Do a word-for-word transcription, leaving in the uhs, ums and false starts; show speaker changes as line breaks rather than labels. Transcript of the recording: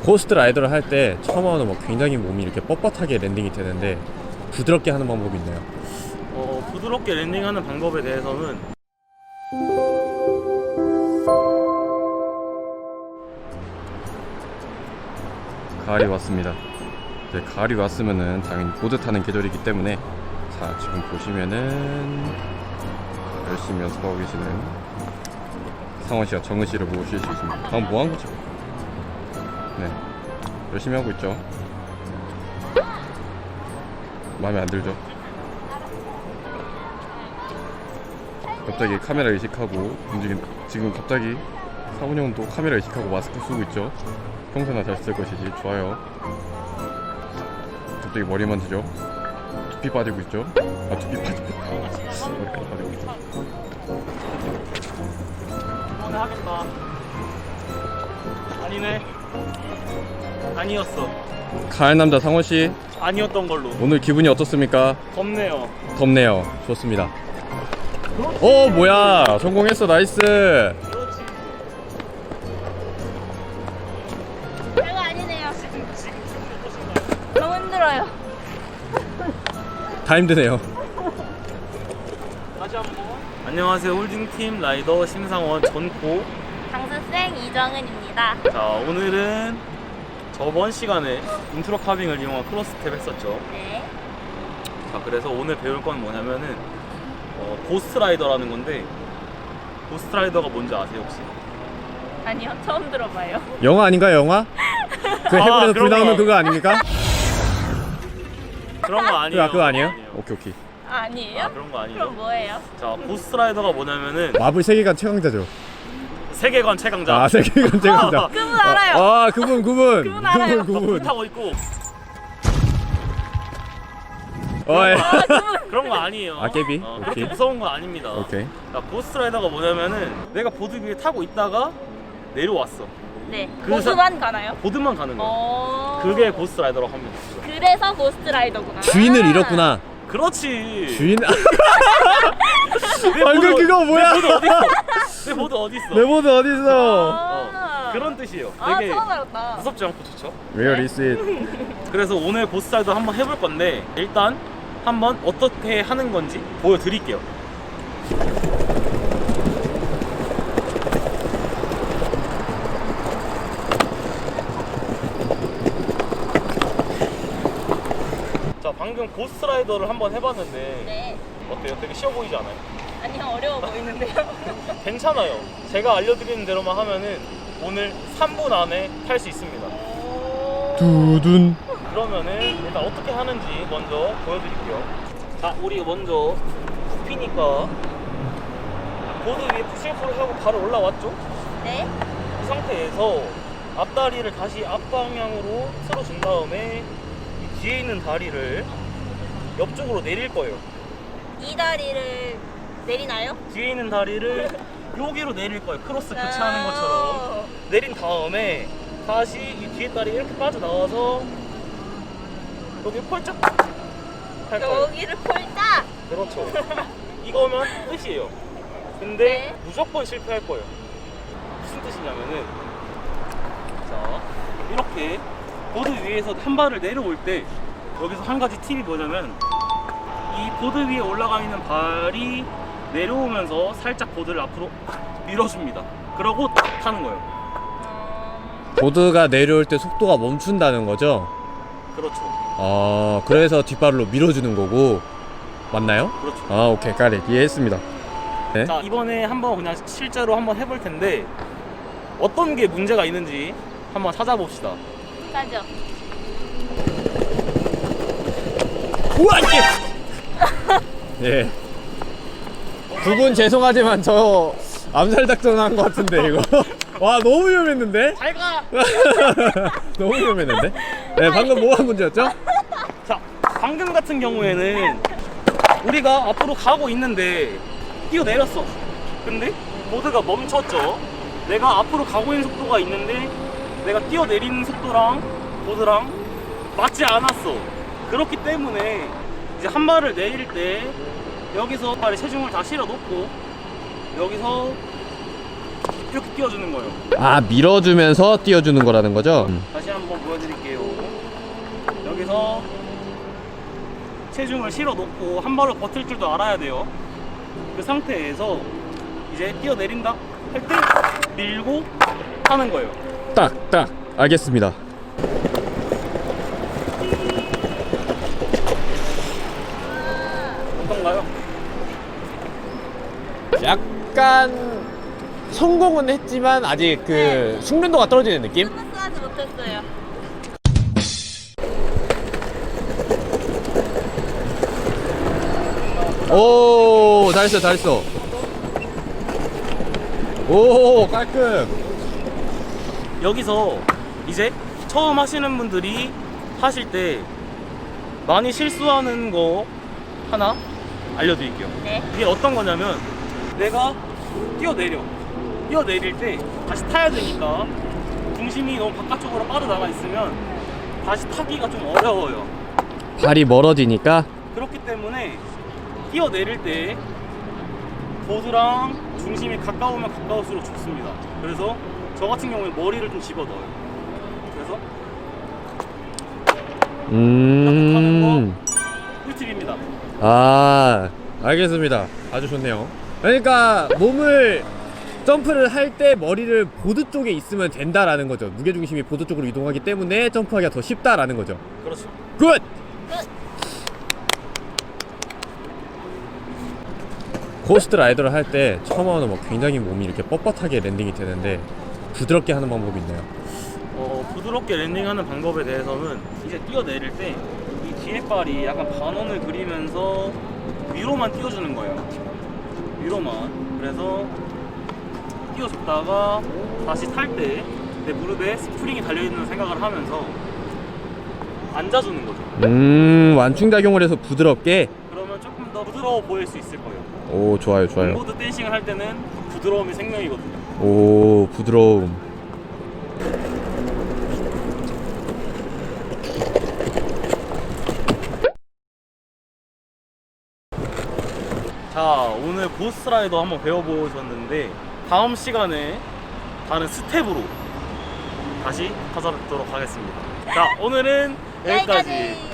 고스트 라이더를 할 때 처음 하면 뭐 굉장히 몸이 이렇게 뻣뻣하게 랜딩이 되는데 부드럽게 하는 방법이 있나요?
어, 부드럽게 랜딩하는 방법에 대해서는
가을이 왔습니다. 이제 가을이 왔으면은 당연히 보드 타는 계절이기 때문에 자 지금 보시면은 열심히 연습하고 계시는 상원 씨와 정은 씨를 보실 수 있습니다. 방금 뭐 한 거죠? 네, 열심히 하고 있죠. 마음에 안 들죠? 갑자기 카메라 의식하고 움직인 지금 갑자기 상훈 형은 또 카메라 의식하고 마스크 쓰고 있죠. 평소나 잘 쓸 것이지. 좋아요. 갑자기 머리 만지죠. 두피 빠지고 있죠. 아 두피 빠지고 머리카락 빠지고 있죠.
오늘 하겠다. 아니네. 아니었어.
가을 남자 상원 씨
아니었던 걸로.
오늘 기분이 어떻습니까?
덥네요.
덥네요. 좋습니다. 오 뭐야 성공했어. 나이스.
그렇지.
별거 아니네요. 너무 힘들어요.
다 힘드네요.
다시 한번. 안녕하세요. 홀딩팀 라이더 심상원 전코.
강습생 이정은입니다.
자, 오늘은 저번 시간에 인트로 카빙을 이용한 크로스 스텝 했었죠.
네.
자, 그래서 오늘 배울 건 뭐냐면은 어, 고스트 라이더라는 건데, 고스트 라이더가 뭔지 아세요 혹시?
아니요, 처음 들어봐요.
영화 아닌가요 영화? 그
아,
해군에서 불
그런
나오는
거.
그거 아닙니까?
그런 거 아니에요.
그거, 그거 아니에요?
아니에요.
오케이 오케이.
아니에요?
아, 그런 거 아니에요.
그럼 뭐예요?
자, 고스트 라이더가 뭐냐면은
마블 세계관 최강자죠.
세계관 최강자.
아 세계관 최강자.
그분 알아요.
아 그분 그분
그분 알아요.
그분 그분.
타고 있고
어, 예.
아, 그분.
그런 거 아니에요.
아, 깨비?
어,
오케이.
그렇게 무서운 거 아닙니다.
오케이.
자, 고스트 라이더가 뭐냐면은 내가 보드 위에 타고 있다가 내려왔어.
네.
그
고수만 가나요?
보드만 가는 거야.
어.
그게 고스트 라이더라고 합니다.
그래서 고스트 라이더구나.
주인을 잃었구나.
그렇지.
주인.
내
방금
보드-
그거 뭐야?
내 보드 어디 있어? 내 보드 어디 있어?
내 보드 어디 있어?
아.
그런 뜻이에요.
아,
되게
처음 알았다.
무섭지 않고 좋죠.
Where is it?
그래서 오늘 고스트 라이더 한번 해볼 건데, 일단 한번 어떻게 하는 건지 보여드릴게요. 자, 방금 고스트 라이더를 한번 해봤는데
네.
어때요? 되게 쉬워 보이지 않아요?
아니요, 어려워 보이는데요.
괜찮아요. 제가 알려드리는 대로만 하면은 오늘 삼 분 안에 탈 수 있습니다.
오.
두둔.
그러면은 일단 어떻게 하는지 먼저 보여드릴게요. 자, 우리 먼저 굽히니까 보드 위에 푸시오프를 하고 바로 올라왔죠?
네.
이 상태에서 앞다리를 다시 앞방향으로 틀어준 다음에 이 뒤에 있는 다리를 옆쪽으로 내릴 거예요.
이 다리를 내리나요?
뒤에 있는 다리를 여기로 내릴 거예요. 크로스 교체하는
아.
것처럼 내린 다음에 다시 이 뒤에 다리 이렇게 빠져나와서 여기 펄쩍 할 거예요.
여기를 폴딱.
그렇죠. 이거면 끝이에요. 근데
네.
무조건 실패할 거예요. 무슨 뜻이냐면은, 자, 이렇게 보드 위에서 한 발을 내려올 때 여기서 한 가지 팁이 뭐냐면, 이 보드 위에 올라가 있는 발이 내려오면서 살짝 보드를 앞으로 밀어줍니다. 그러고 딱 타는 거예요.
보드가 내려올 때 속도가 멈춘다는 거죠?
그렇죠.
아 그래서 뒷발로 밀어주는 거고 맞나요?
그렇죠.
아 오케이 까리 이해했습니다. 네.
자, 이번에 한번 그냥 실제로 한번 해볼 텐데 어떤 게 문제가 있는지 한번 찾아봅시다.
가죠.
우와 이게. 예. 두 분 죄송하지만 저 암살 작전한 것 같은데 이거. 와 너무 위험했는데?
잘 가!
너무 위험했는데? 네 방금 뭐가 문제였죠?
자, 방금 같은 경우에는 우리가 앞으로 가고 있는데 뛰어내렸어. 근데 보드가 멈췄죠. 내가 앞으로 가고 있는 속도가 있는데 내가 뛰어내리는 속도랑 보드랑 맞지 않았어. 그렇기 때문에 이제 한 발을 내릴 때 여기서 발에 체중을 다 실어 놓고 여기서 이렇게 띄워주는 거예요.
아 밀어주면서 띄워주는 거라는 거죠?
다시 한 여기서 체중을 실어 놓고 한 발로 버틸 줄도 알아야 돼요. 그 상태에서 이제 뛰어내린다 할 때 밀고 하는 거예요.
딱, 딱. 알겠습니다.
어떤가요?
약간 성공은 했지만 아직 그
네.
숙련도가 떨어지는 느낌?
스무스하지 못했어요.
오, 잘했어, 잘했어. 오, 깔끔.
여기서 이제 처음 하시는 분들이 하실 때 많이 실수하는 거 하나 알려드릴게요.
네.
이게 어떤 거냐면 내가 뛰어내려 뛰어내릴 때 다시 타야 되니까 중심이 너무 바깥쪽으로 빠져나가 있으면 다시 타기가 좀 어려워요.
발이 멀어지니까.
그렇기 때문에 뛰어내릴 때 보드랑 중심이 가까우면 가까울수록 좋습니다. 그래서 저 같은 경우에 머리를 좀 집어넣어요. 그래서 이렇게 타는
음.
거 꿀팁입니다.
아, 알겠습니다. 아주 좋네요. 그러니까 몸을 점프를 할 때 머리를 보드 쪽에 있으면 된다라는 거죠. 무게중심이 보드 쪽으로 이동하기 때문에 점프하기가 더 쉽다라는 거죠.
그렇죠.
굿! 코스트 라이더를 할 때 처음 하면 뭐 굉장히 몸이 이렇게 뻣뻣하게 랜딩이 되는데 부드럽게 하는 방법이 있나요?
어, 부드럽게 랜딩하는 방법에 대해서는 이제 뛰어내릴 때 이 뒤에 발이 약간 반원을 그리면서 위로만 띄워주는 거예요. 위로만. 그래서 띄워줬다가 다시 탈 때 내 무릎에 스프링이 달려있는 생각을 하면서 앉아주는 거죠.
음, 완충작용을 해서 부드럽게.
그러면 조금 더 부드러워 보일 수 있을 거예요.
오, 좋아요, 좋아요.
skateboard 댄싱을 할 때는 부드러움이 생명이거든요.
오, 부드러움.
자, 오늘 고스트라이더 한번 배워보셨는데 다음 시간에 다른 스텝으로 다시 찾아뵙도록 하겠습니다. 자, 오늘은 여기까지.
여기까지.